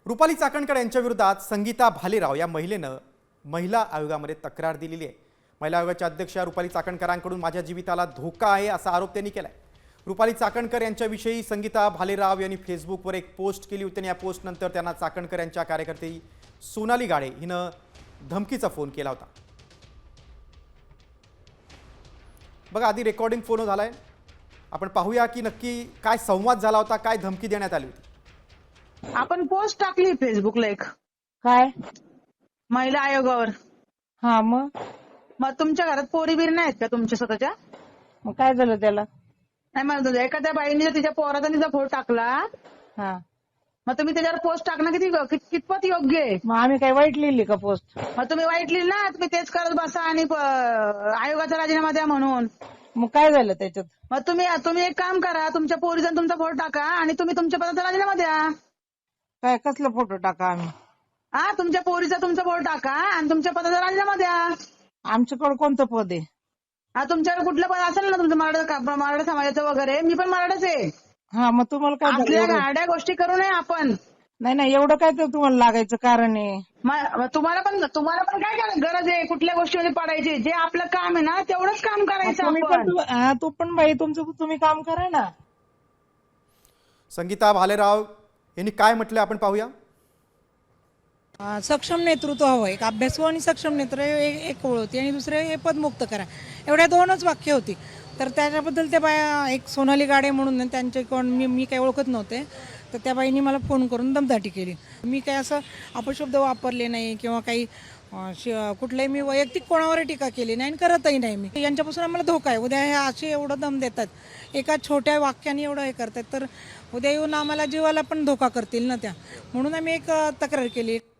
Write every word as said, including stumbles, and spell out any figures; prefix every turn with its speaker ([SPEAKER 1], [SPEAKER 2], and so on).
[SPEAKER 1] रुपाली चाकणकर यांच्या विरोधात संगीता भालेराव या महिलेनं महिला आयोगामध्ये तक्रार दिलेली आहे। महिला आयोगाच्या अध्यक्षा रुपाली चाकणकरांकडून माझ्या जीविताला धोका आहे असा आरोप त्यांनी केलाय। रुपाली चाकणकर यांच्याविषयी संगीता भालेराव यांनी फेसबुकवर एक पोस्ट केली होती आणि या पोस्टनंतर त्यांना चाकणकर यांच्या कार्यकर्ते सोनाली गाडे हिनं धमकीचा फोन केला होता। बघा आधी रेकॉर्डिंग फोन झालाय, आपण पाहूया की नक्की काय संवाद झाला होता, काय धमकी देण्यात आली होती।
[SPEAKER 2] आपण पोस्ट टाकली फेसबुकला एक
[SPEAKER 3] काय
[SPEAKER 2] महिला आयोगावर।
[SPEAKER 3] हा मग
[SPEAKER 2] मग तुमच्या घरात पोरी बिरी नाहीत का तुमच्या स्वतःच्या?
[SPEAKER 3] मग काय झालं त्याला?
[SPEAKER 2] नाही म्हणत होते, एखाद्या बाईने जर तिच्या पोराचा तिचा फोटो टाकला
[SPEAKER 3] हा
[SPEAKER 2] मग तुम्ही त्याच्यावर पोस्ट टाकणं किती कित- कितपत योग्य आहे?
[SPEAKER 3] मग आम्ही काय वाईट लिहिली का पोस्ट?
[SPEAKER 2] मग तुम्ही वाईट लिहिलं ना, तुम्ही तेच करत बसा आणि प- आयोगाचा राजीनामा द्या म्हणून।
[SPEAKER 3] मग काय झालं त्याच्यात?
[SPEAKER 2] मग तुम्ही तुम्ही एक काम करा, तुमच्या पोरीचा आणि तुमचा फोटो टाका आणि तुम्ही तुमच्या पदाचा राजीनामा द्या।
[SPEAKER 3] काय कसला फोटो टाका आम्ही?
[SPEAKER 2] हा तुमच्या पोरीचा तुमचा फोटो टाका आणि तुमच्या पदाचा राजीनामा द्या।
[SPEAKER 3] आमच्याकडे कोणतं पद आहे?
[SPEAKER 2] हा तुमच्याकडे कुठलं पद असेल ना तुमचं मराठा मराठा समाजाचं वगैरे, मी पण मराठाच आहे।
[SPEAKER 3] हा मग तुम्हाला काय झालं
[SPEAKER 2] आपल्या
[SPEAKER 3] एवढं?
[SPEAKER 2] गाड्या गोष्टी करू नये आपण।
[SPEAKER 3] नाही नाही एवढं काय तर तुम्हाला लागायचं कारण आहे?
[SPEAKER 2] म- मग तुम्हाला पण तुम्हाला पण काय काय गरज आहे कुठल्या गोष्टीमध्ये पडायची? जे आपलं काम आहे ना तेवढंच काम
[SPEAKER 3] मग
[SPEAKER 2] करायचं
[SPEAKER 3] तुम्ही पण
[SPEAKER 2] आपण।
[SPEAKER 3] तू- हा, तू पण बाई तुमचं तुम्ही काम करा ना।
[SPEAKER 1] संगीता भालेराव यांनी काय म्हटलं आपण पाहूया।
[SPEAKER 4] अ, सक्षम नेतृत्व हवं, एक अभ्यासू आणि सक्षम नेतृत्व एक एक ओळ होती आणि दुसरे हे पदमुक्त करा, एवढ्या दोनच वाक्य होती। तर त्याच्याबद्दल त्या बाया एक सोनाली गाडे म्हणून आहे, त्यांचे कोण मी मी काही ओळखत नव्हते, तर त्या बाईंनी मला फोन करून दमदाटी केली। मी काय असं अपशब्द वापरले नाही किंवा काही अ, श- कुठल्याही मी वैयक्तिक कोणावर टीका केली नाही आणि करतही नाही। मी यांच्यापासून आम्हाला धोका आहे, उद्या हे असे एवढं दम देतात, एका छोट्या वाक्याने एवढं हे करतात, तर उद्या येऊन आम्हाला जीवाला पण धोका करतील ना त्या, म्हणून आम्ही एक अ, तक्रार केली।